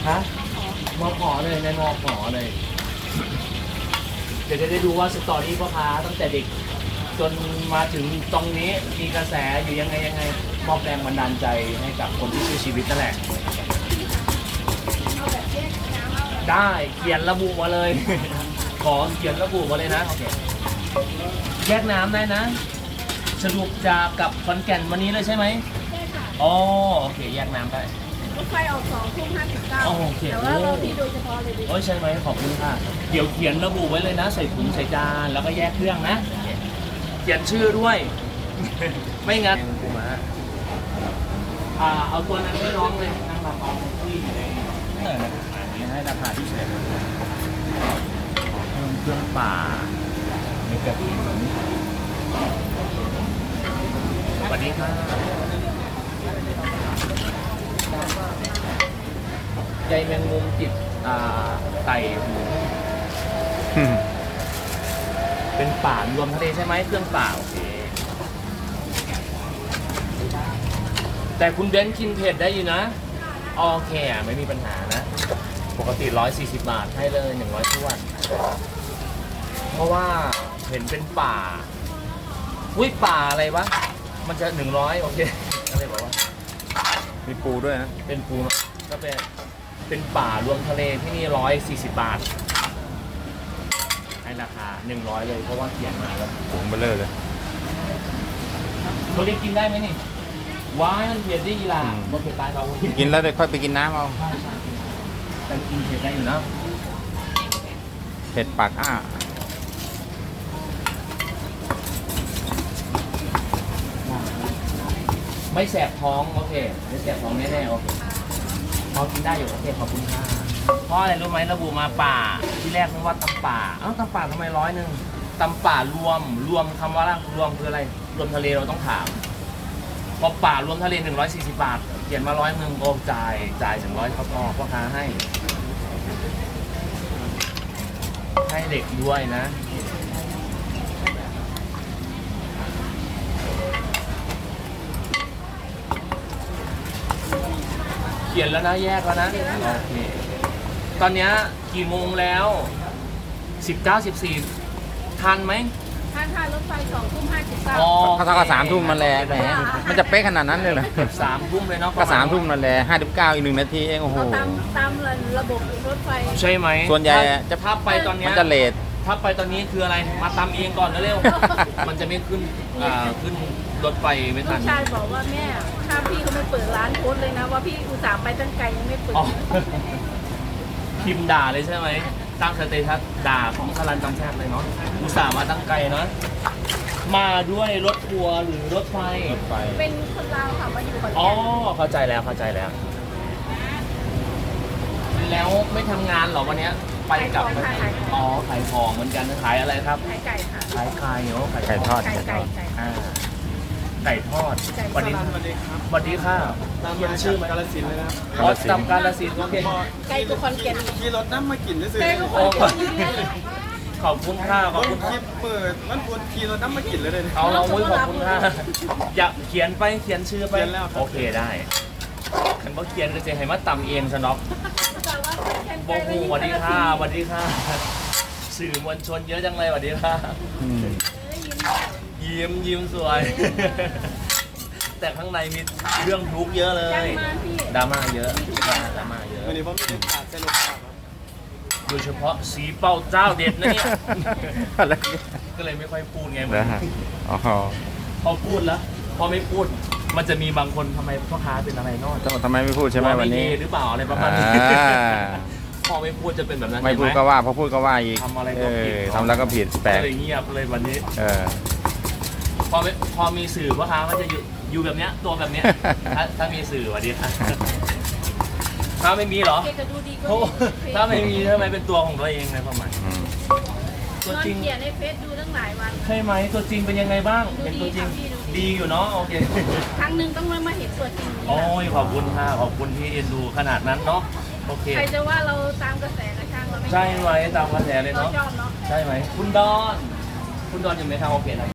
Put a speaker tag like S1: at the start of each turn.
S1: ฮะมอขอเลยในมอขอเลย เดี๋ยวจะได้ดูว่าสตอรี่พ่อค้าตั้งแต่เด็ก จนมาถึงตรงนี้มีกระแสอยู่ยังไงมอบแรงบันดาลใจให้กับคนที่ชื่อชีวิตนั่นแหละ ได้เขียนระบุมาเลย ขอเขียนระบุมาเลยนะโอเคแยกน้ำได้นะสรุปจะกลับขอนแก่นวันนี้เลยใช่ไหม
S2: ใช่ค่ะ
S1: อ๋อโอเคแยกน้ำได้
S2: รถไฟออก2:59
S1: โอเค
S2: แต่ว่าเราที่โดยเฉพาะเลยดิ
S1: โอ้ยใช่ไหมขอบคุณค่ะเดี๋ยวเขียนระบุไว้เลยนะใส่ถุงใส่จานแล้วก็แยกเครื่องนะเขียนชื่อด้วย ไม่งั้นกูมาเอาตัวนั้นให้น้องเลยนั่งรำเอาที่อยู่ในอันนี้ให้ราคาที่เฉยเครื่องป่ามีกระถิ่นสวัสดีค่ะใจแมงมุมจิตไก่หมูเป็นป่ารวมทะเลใช่ไหมเครื่องป่าโอเคแต่คุณเบนซ์กินเผ็ดได้อยู่นะโอเคไม่มีปัญหานะปกติ140 บาทให้เลย100ถ้วนเพราะว่าเห็นเป็นป่าอุ้ยป่าอะไรวะมันจะ100โอเคอะไรบอกว่า
S3: มีปูด้วยนะ
S1: เป็นปูก็เป็นป่ารวมทะเลที่นี่140 บาทให้ราคา100เลยเพราะว่าเขียนมาแล้ว
S3: ถุงเบลเลอร์เลย
S1: เขาเรียกกินได้ไหมนี่ว้ายมันเผ็ดได้ยีราบนเผ็ดตายเรา
S3: กินแล้วเดี๋ยวค่อยไปกินน้ำเอา
S1: แต่กินเผ็ดได้อยู่นะ
S3: เผ็ดปากอ้า
S1: ไม่แสบท้องโอเคไม่แสบท้องแน่ๆโอเคพอกินได้อยู่โอเคขอบคุณค่ะเพราะอะไรรู้ไหมระบุมาป่าที่แรกนึกว่าตำป่าเอ้าตำป่าทำไม100ตำป่ารวมคำว่ารวมคืออะไรรวมทะเลเราต้องถามพอป่ารวมทะเล140 บาทเขียนมา100โอ้จ่าย100เขาพอพ่อค้าให้เด็กด้วยนะเขียนแล้วนะแยกแล้วนะโอเคตอนนี้กี่โมงแล้ว19:14ทันไหม
S2: ถ้ารถไฟ2:59
S1: อ๋อ
S3: ถ้าเท่ากับ3 ทุ่มมันแหละแหมมันจะเป๊ะขนาดนั้นเลยเหรอ
S1: 3 ทุ่มเลยเนาะ
S3: ก็3 ทุ่มนั่นแหละ59อีก1 นาทีเองโอ้โห
S2: ตามระบบรถไฟ
S1: ใช่ไหม
S3: ส่วนใหญ่จะ
S1: ถ้าไปตอนนี้
S3: มันจะเลท
S1: ถ้าไปตอนนี้คืออะไรมาตำเองก่อนเร็วๆ มันจะไม่ขึ้นขึ้นรถไฟไม่
S2: ลู
S1: ทัน
S2: กชายบอกว่าแม่ถ้าพี่เขาไม่เปิดร้านโค้ดเลยนะว่าพี่อุตส่าห์ไปตั้งไกลยังไม่เปิด
S1: อ๋อพิมพ์ด่าเลยใช่ไหมตั้งสเตตัสด่าของสลันจำแทบเลยเนาะอุตส่าห์มาตั้งไกลเนาะมาด้วยรถทัวร์หรือรถไฟ
S2: เป็นคนลาวค่ะมาอยู่ขอน
S1: อ๋อ
S2: แก่น
S1: เข้าใจแล้วแล้วไม่ทำงานเหรอวันเนี้ยไปกลับอ๋อขายของเหมือนกันขายอะไรครับ
S2: ขายไก่ค่ะ
S1: ขายไข่เหรอ
S3: ไก่ทอด
S2: ไก่ไก่
S1: อ่าไก่ทอดวันนี้สวัสดีค่ะเขียนชื่อไหม
S4: กาลสินธุ์เลยนะครับ
S1: อ๋อจำกาลสินธุ์โอเค
S2: ไก่ตัวคอนแก่น
S4: ขี่รถน้ำมากินได้สิ
S2: ไก่ตัวค
S1: โอ้
S2: อนแก่นอยู่เนี่ย
S1: ขอบคุณค่ะขอบคุณ
S4: ค
S1: ค่ะ
S4: ลิปเปิดมันควรขี่รถน้ำมากินเลยเลย
S1: เอาเราอุ้ยขอบคุณค่ะอยากเขียนชื่อไป
S4: เขียนแล้วครับ
S1: โอเคได้ฉันบอกเขียนก็จะให้มาตำเองซะเนาะ
S2: แต่ว่าแข่ง
S1: บ
S2: ไก่
S1: อกกูสวัสดีค่ะสวัสดีค่ะสื่อมวลชนเยอะจังเลยสวัสดีค่ะ
S3: อืม
S1: ยิ้มสวย แต่ข้างในมีเรื่องทุกข์เยอะเล
S2: จัง
S1: ย
S2: มาพี่
S1: ดราม่าเยอะดราม่าเยอะ
S4: วันนี้ผมมีขาดสนุกครับ
S1: โดยเฉพาะสีเป้าเจ้าเด็ดนะเนี่ย
S3: อะไร
S1: ก็เลยไม่ค่อยพูดไง
S3: นะฮะอ๋อ
S1: พอพูดแล้ว พอไม่พูด มันจะมีบางคนทำไมพ่อค้าเป็นอะไรนอก
S3: ทำไมไม่พูดใช่ไหมวันนี้
S1: หรือเปล่าอะไรประมาณนี้ พอไม่พูดจะเป็นแบบนั้น
S3: ไม่พูด
S1: ใช่ห
S3: ก็ว่าพอพูดก็ว่าอีก
S1: ทำอะไรก็ผิด
S3: ทำแล้วก็ผิดแปลก
S1: ก็เลยเงียบเลยวันนี้
S3: เออ
S1: พอมีสื่อพ่อค้าก็จะอยู่แบบเนี้ยตัวแบบเนี้ย ถ้ามีสื่อสวัสดีค่ะถ้าไม่มีเหรอ
S2: เกก็ดูดีก็
S1: โอ้
S2: ดี
S1: ถ้าไม่มีทำไมเป็นตัวของตัวเองในความหมาย
S3: อืม
S1: ตัวน
S2: อน
S1: จริง
S2: เขียนในเฟซดูตั้งหลายวัน
S1: ใช่ไหมตัวจริงเป็นยังไงบ้างเป็นตัวจริง
S2: ดูดีค่ะ
S1: ดีอยู่เนาะโอเค
S2: ครั้งหนึ่งต้องมาเห็นตัวจริง
S1: โอ้ยขอบคุณค่ะขอบคุณที่เอ็นดูขนาดนั้นเนาะโอเค
S2: ใครจะว่าเราตามกระแสกระช่างเราไม่
S1: ใช่ไหมตามกระแสเลย
S2: เรา
S1: เนาะ
S2: ชอบเนาะ
S1: ใช่ไหมคุณดอนอยู่ไหมครับโอเคนะ